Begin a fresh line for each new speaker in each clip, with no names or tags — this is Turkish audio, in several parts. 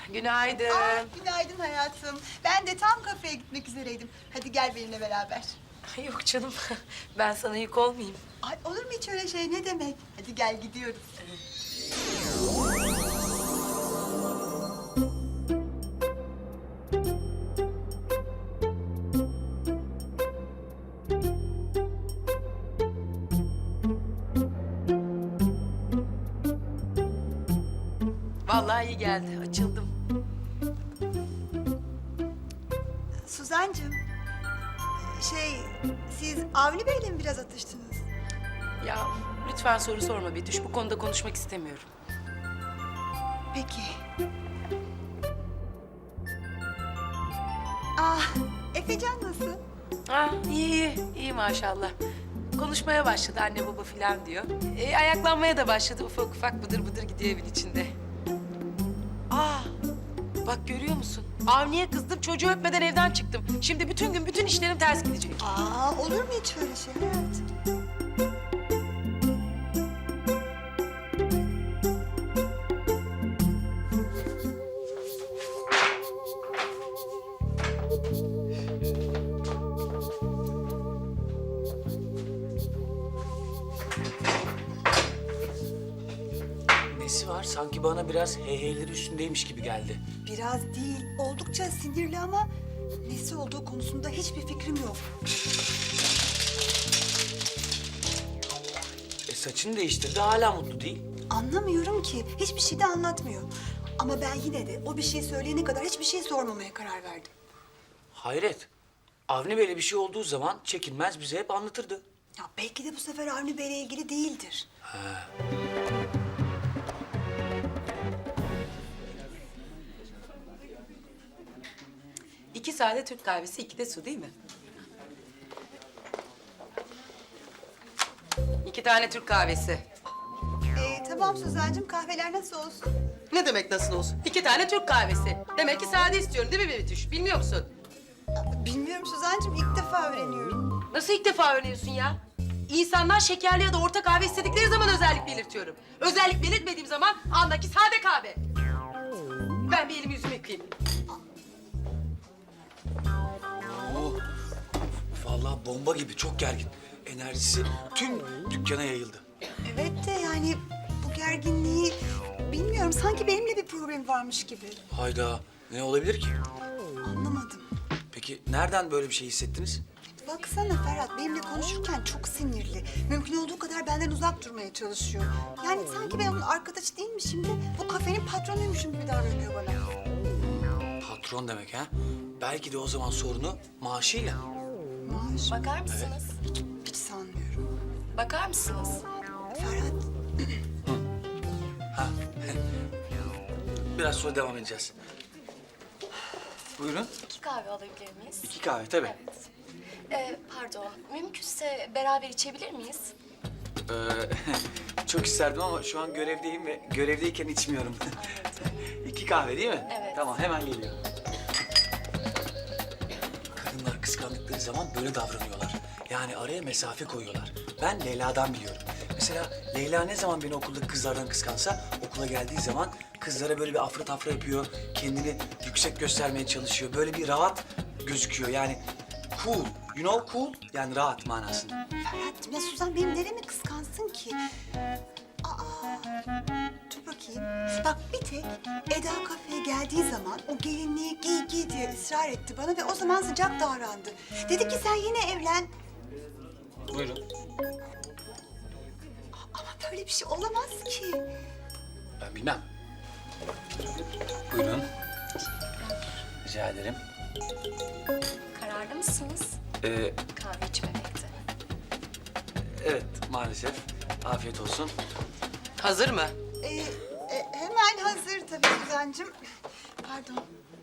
Günaydın.
Günaydın hayatım. Ben de tam kafeye gitmek üzereydim. Hadi gel benimle beraber.
Ay, yok canım, ben sana yük olmayayım.
Ay olur mu hiç öyle şey, ne demek? Hadi gel gidiyoruz.
Vallahi iyi geldi, açıldım.
Suzancığım, siz Avni Bey'le mi biraz atıştınız?
Ya lütfen soru sorma Betüş, bu konuda konuşmak istemiyorum.
Peki. Ah, Efecan nasıl?
İyi maşallah. Konuşmaya başladı anne baba filan diyor. Ayaklanmaya da başladı, ufak ufak bıdır bıdır gidiyor evin içinde. Bak görüyor musun? Avni'ye kızdım, çocuğu öpmeden evden çıktım. Şimdi bütün gün bütün işlerim ters gidecek.
Olur mu hiç öyle şey hayatım?
Nesi var? Sanki bana biraz heyheyleri üstündeymiş gibi geldi.
Biraz değil, oldukça sinirli ama nesi olduğu konusunda hiçbir fikrim yok.
Saçını değiştirdi, hala mutlu değil.
Anlamıyorum ki, hiçbir şey de anlatmıyor. Ama ben yine de o bir şey söyleyene kadar hiçbir şey sormamaya karar verdim.
Hayret. Avni Bey'le bir şey olduğu zaman çekinmez bize hep anlatırdı.
Ya belki de bu sefer Avni Bey'le ilgili değildir.
İki sade Türk kahvesi, iki de su değil mi? 2 tane Türk kahvesi.
Tamam Suzancığım, kahveler nasıl olsun?
Ne demek nasıl olsun? 2 tane Türk kahvesi. Demek ki sade istiyorum değil mi Betüş? Bilmiyor musun?
Bilmiyorum Suzancığım, ilk defa öğreniyorum.
Nasıl ilk defa öğreniyorsun ya? İnsanlar şekerli ya da orta kahve istedikleri zaman özellik belirtiyorum. Özellik belirtmediğim zaman andaki sade kahve. Ben bir elimi yüzümü yıkayayım.
Vallahi bomba gibi, çok gergin. Enerjisi tüm dükkana yayıldı.
Evet de yani bu gerginliği bilmiyorum, sanki benimle bir problem varmış gibi.
Hayda, ne olabilir ki?
Anlamadım.
Peki nereden böyle bir şey hissettiniz?
Baksana Ferhat, benimle konuşurken çok sinirli. Mümkün olduğu kadar benden uzak durmaya çalışıyor. Yani sanki ben onun arkadaşı değilmişim de bu kafenin patronuymuşum gibi davranıyor bana.
Patron demek ha? Belki de o zaman sorunu maaşıyla.
Maaş
Bakar mısınız?
hiç sanmıyorum.
Bakar mısınız?
Ferhat,
Biraz sonra devam edeceğiz. Buyurun.
2 kahve alabilir miyiz?
2 kahve tabii.
Evet. Pardon, mümkünse beraber içebilir miyiz?
Çok isterdim ama şu an görevdeyim ve görevdeyken içmiyorum. 2 kahve değil mi?
Evet.
Tamam, hemen geliyorum. Kadınlar kıskandıkları zaman böyle davranıyorlar. Yani araya mesafe koyuyorlar. Ben Leyla'dan biliyorum. Mesela Leyla ne zaman beni okuldaki kızlardan kıskansa, okula geldiği zaman kızlara böyle bir afra tafra yapıyor. Kendini yüksek göstermeye çalışıyor. Böyle bir rahat gözüküyor. Yani cool. You know cool? Yani rahat manasında.
Ferhat'cığım ya Suzan benim neremi kıskansın ki? Dur bakayım. Bak bir tek Eda kafeye geldiği zaman o gelinliği giy diye ısrar etti bana ve o zaman sıcak davrandı. Dedi ki sen yine evlen.
Buyurun.
Ama böyle bir şey olamaz ki.
Ben bilmem. Buyurun. Rica ederim.
Kararlı mısınız? Kahve içmemekte.
Evet, maalesef. Afiyet olsun.
Hazır mı?
Hemen hazır tabii Suzan'cığım. Pardon.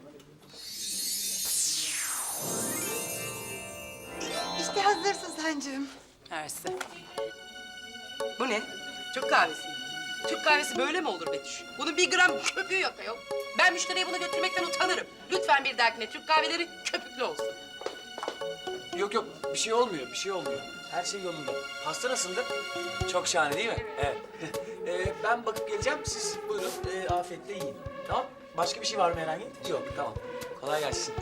İşte hazır Suzan'cığım.
Mersi. Bu ne? Türk kahvesi mi? Türk kahvesi böyle mi olur Betüş? Bunun 1 gram köpüğü yok ayol. Ben müşteriye bunu götürmekten utanırım. Lütfen bir dahakine Türk kahveleri köpüklü olsun.
Yok yok, bir şey olmuyor, bir şey olmuyor. Her şey yolunda. Pasta nasıldı? Çok şahane değil mi? Evet. Ben bakıp geleceğim, siz buyurun afiyetle yiyin. Tamam? Başka bir şey var mı herhangi? Yok, tamam. Kolay gelsin.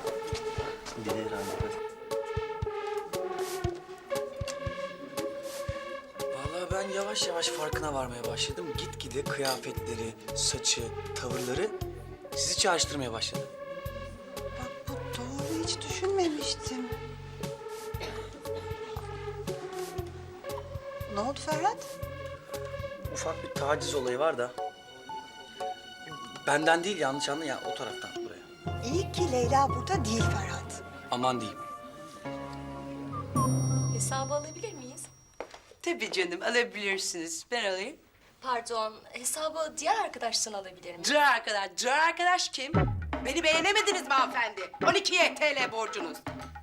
Vallahi ben yavaş yavaş farkına varmaya başladım. Gitgide kıyafetleri, saçı, tavırları sizi çağrıştırmaya başladı.
Bak bu doğru, hiç düşünmemiştim. Ne oldu Ferhat?
Ufak bir taciz olayı var da. Benden değil, yanlış anla ya, o taraftan buraya.
İyi ki Leyla burada değil Ferhat.
Aman diyeyim.
Hesabı alabilir miyiz?
Tabii canım, alabilirsiniz. Ben alayım.
Pardon, hesabı diğer arkadaştan alabilir miyim?
Dur arkadaş kim? Beni beğenemediniz mi hanımefendi? 12 TL borcunuz.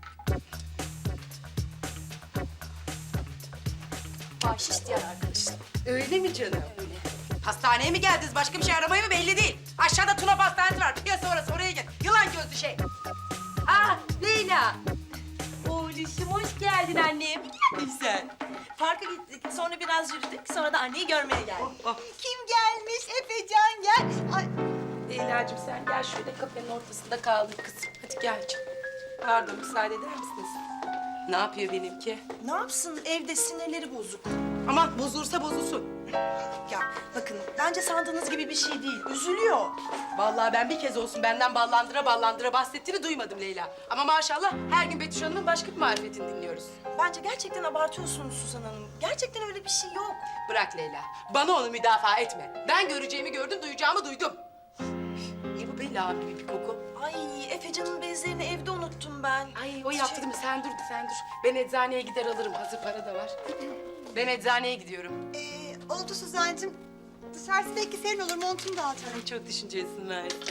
Bahşiş diğer arkadaştan.
Öyle mi canım? Öyle. Hastaneye mi geldiniz? Başka bir şey aramaya mı belli değil. Aşağıda Tuna Pastanesi var. Piyasa orası, oraya git. Yılan gözlü şey. Ah Leyla.
Oğluşum hoş geldin annem. Güzel. Parka gittik, sonra biraz yürüdük, sonra da anneyi görmeye geldik.
Kim gelmiş? Efecan gel. Ay,
Leyla'cığım sen gel şöyle kafenin ortasında kaldın kızım. Hadi gel canım. Pardon müsaade eder misiniz? Ne yapıyor benimki?
Ne yapsın, evde sinirleri bozuk.
Aman bozulursa bozulsun.
Ya bakın, bence sandığınız gibi bir şey değil, üzülüyor.
Vallahi ben bir kez olsun benden ballandıra bahsettiğini duymadım Leyla. Ama maşallah her gün Betüş Hanım'ın başka bir marifetini dinliyoruz.
Bence gerçekten abartıyorsunuz Suzan Hanım. Gerçekten öyle bir şey yok.
Bırak Leyla. Bana onu müdafaa etme. Ben göreceğimi gördüm, duyacağımı duydum. Ne bu be lağım gibi bir koku?
Ay, Efecan'ın bezlerini evde unuttum ben.
Ay o yaptı değil mi? Sen dur. Ben eczaneye gider alırım. Hazır para da var. Ben eczaneye gidiyorum.
oldu Suzancığım. Dışarısı belki serin olur, montumu da atarım.
Ay çok düşüncelisin Mersi.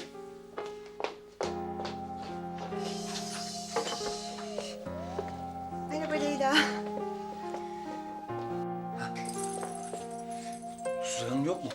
Merhaba Leyla.
Suzan Hanım yok mu?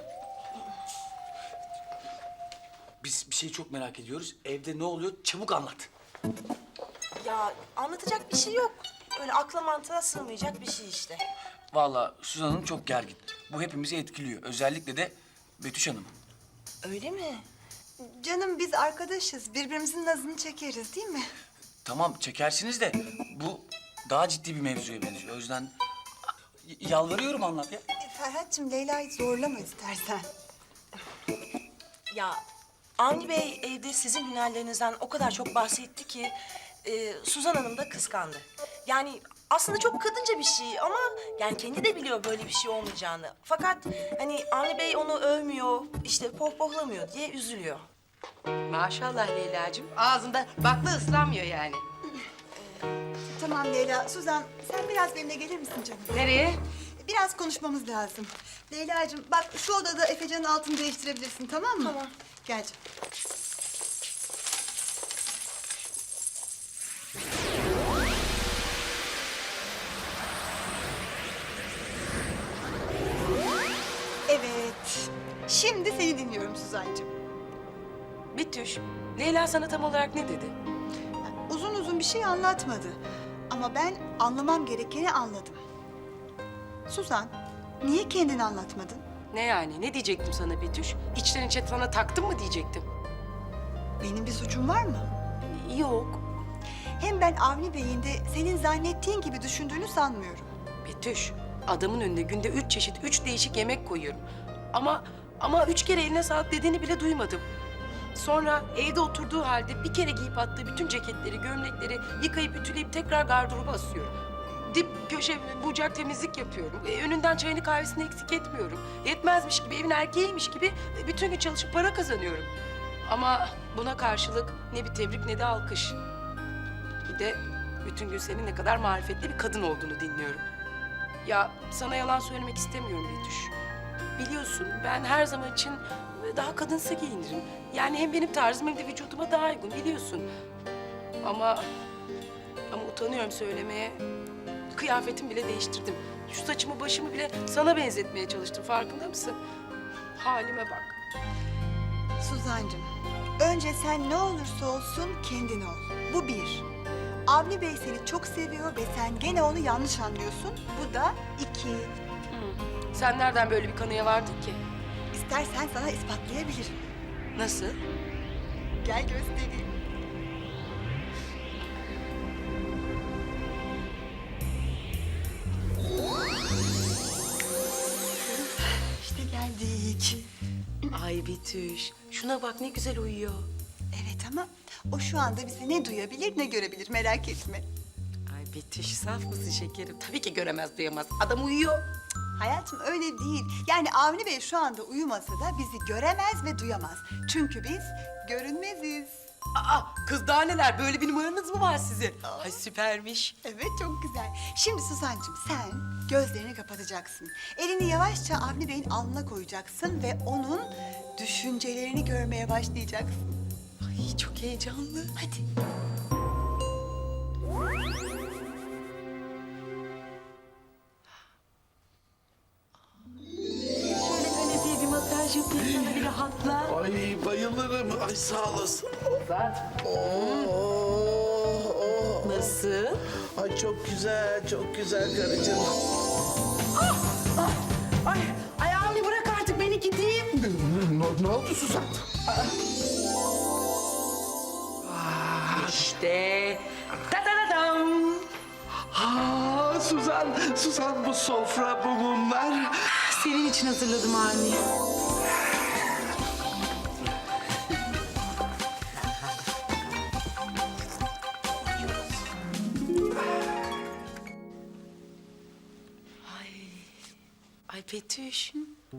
Biz bir şeyi çok merak ediyoruz. Evde ne oluyor? Çabuk anlat.
Ya anlatacak bir şey yok. Öyle akla mantığa sığmayacak bir şey işte.
Vallahi Suzan Hanım çok gergin. Bu hepimizi etkiliyor. Özellikle de Betüş Hanım.
Öyle mi?
Canım biz arkadaşız. Birbirimizin nazını çekeriz değil mi?
Tamam çekersiniz de bu daha ciddi bir mevzuya benziyor. O yüzden yalvarıyorum anlat ya.
Ferhat'cığım Leyla'yı zorlama istersen.
Ya Avni Bey evde sizin hünerlerinizden o kadar çok bahsetti ki Suzan Hanım da kıskandı. Yani aslında çok kadınca bir şey ama yani kendi de biliyor böyle bir şey olmayacağını. Fakat hani Avni Bey onu övmüyor, işte pohpohlamıyor diye üzülüyor.
Maşallah Leyla'cığım. Ağzında bakla ıslanmıyor yani.
Tamam Leyla. Suzan sen biraz benimle gelir misin canım?
Nereye?
Biraz konuşmamız lazım. Leyla'cığım bak şu odada Efecan'ın altını değiştirebilirsin, tamam mı?
Tamam.
Gel canım. Evet. Şimdi seni dinliyorum Suzancığım.
Betüş, Leyla sana tam olarak ne dedi?
Uzun uzun bir şey anlatmadı. Ama ben anlamam gerekeni anladım. Suzan, niye kendini anlatmadın?
Ne yani? Ne diyecektim sana Betüş? İçten içe sana taktım mı diyecektim?
Benim bir suçum var mı?
Yok.
Hem ben Avni Bey'in de senin zannettiğin gibi düşündüğünü sanmıyorum.
Betüş, adamın önüne günde 3 çeşit, 3 değişik yemek koyuyorum. Ama 3 kere eline sağlık dediğini bile duymadım. Sonra evde oturduğu halde bir kere giyip attığı bütün ceketleri, gömlekleri yıkayıp ütüleyip tekrar gardıroba asıyorum. Dip köşe bucak temizlik yapıyorum. Önünden çayını kahvesini eksik etmiyorum. Yetmezmiş gibi, evin erkeğiymiş gibi bütün gün çalışıp para kazanıyorum. Ama buna karşılık ne bir tebrik ne de alkış. Bir de bütün gün senin ne kadar marifetli bir kadın olduğunu dinliyorum. Ya sana yalan söylemek istemiyorum Betüş. Biliyorsun ben her zaman için daha kadınsı giyinirim. Yani hem benim tarzım hem de vücuduma daha uygun biliyorsun. Ama utanıyorum söylemeye. Kıyafetimi bile değiştirdim. Şu saçımı başımı bile sana benzetmeye çalıştım. Farkında mısın? Halime bak.
Suzancığım, önce sen ne olursa olsun kendin ol. Bu bir. Avni Bey seni çok seviyor ve sen gene onu yanlış anlıyorsun. Bu da iki.
Sen nereden böyle bir kanıya vardın ki?
İstersen sana ispatlayabilirim.
Nasıl?
Gel göstereyim. İşte geldik.
Ay Betüş, şuna bak ne güzel uyuyor.
Evet ama o şu anda bizi ne duyabilir ne görebilir, merak etme.
Ay Betüş, saf mısın şekerim? Tabii ki göremez, duyamaz. Adam uyuyor.
Hayatım öyle değil. Yani Avni Bey şu anda uyumasa da bizi göremez ve duyamaz. Çünkü biz görünmeziz.
Aa, kız daha neler? Böyle bir numaranız mı var sizin? Ay süpermiş.
Evet, çok güzel. Şimdi Suzancığım sen gözlerini kapatacaksın. Elini yavaşça Avni Bey'in alnına koyacaksın ve onun düşüncelerini görmeye başlayacaksın.
Ay çok heyecanlı.
Hadi.
Şöyle kanepeye bir masaj yapayım sana, bir rahatla.
Ay bayılırım. Ay sağ olasın.
Nasıl?
Ay çok güzel, çok güzel karıcığım.
Ay Avni bırak artık, beni gideyim.
Ne oldu Suzan?
İşte. Da da da dam.
Ha Suzan bu sofra, bu mumlar.
Senin için hazırladım Avni. Ay Betüş.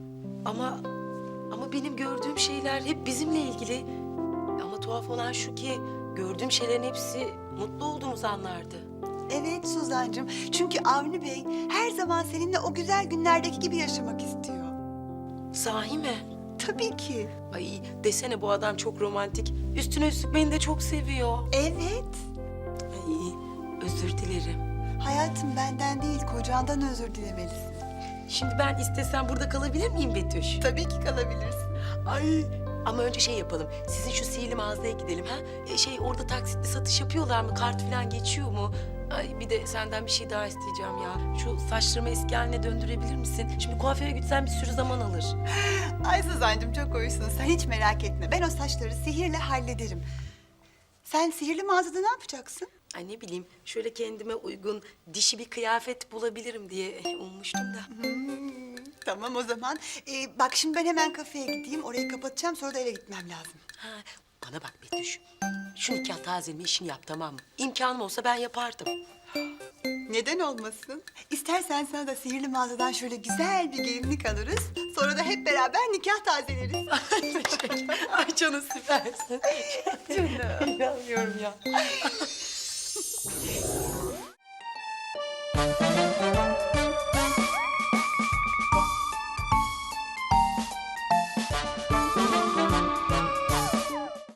Ama benim gördüğüm şeyler hep bizimle ilgili. Ama tuhaf olan şu ki gördüğüm şeylerin hepsi mutlu olduğumuz anlardı.
Evet Suzancığım. Çünkü Avni Bey her zaman seninle o güzel günlerdeki gibi yaşamak istiyor.
Sahi mi?
Tabii ki.
Ay desene, bu adam çok romantik. Üstüne üstlük beni de çok seviyor.
Evet.
Ay özür dilerim.
Hayatım benden değil, kocandan özür dilemelisin.
Şimdi ben istesem burada kalabilir miyim Betüş?
Tabii ki kalabilirsin.
Ay ama önce şey yapalım. Sizin şu sihirli mağazaya gidelim ha. Orada taksitli satış yapıyorlar mı? Kart falan geçiyor mu? Ay bir de senden bir şey daha isteyeceğim ya. Şu saçlarımı eski haline döndürebilir misin? Şimdi kuaföre gitsem bir sürü zaman alır.
Ay Suzancığım çok hoşsun. Sen hiç merak etme. Ben o saçları sihirle hallederim. Sen sihirli mağazada ne yapacaksın?
Ay ne bileyim, şöyle kendime uygun dişi bir kıyafet bulabilirim diye ummuştum da.
Tamam o zaman. Bak şimdi ben hemen kafeye gideyim. Orayı kapatacağım, sonra da eve gitmem lazım.
Ha, bana bak Betüş. Şu nikah tazeleme işini yap, tamam mı? İmkanım olsa ben yapardım.
Neden olmasın? İstersen sana da sihirli mağazadan şöyle güzel bir gelinlik alırız. Sonra da hep beraber nikah tazeleriz.
Ay canım süpersin. Canım. İnanmıyorum ya.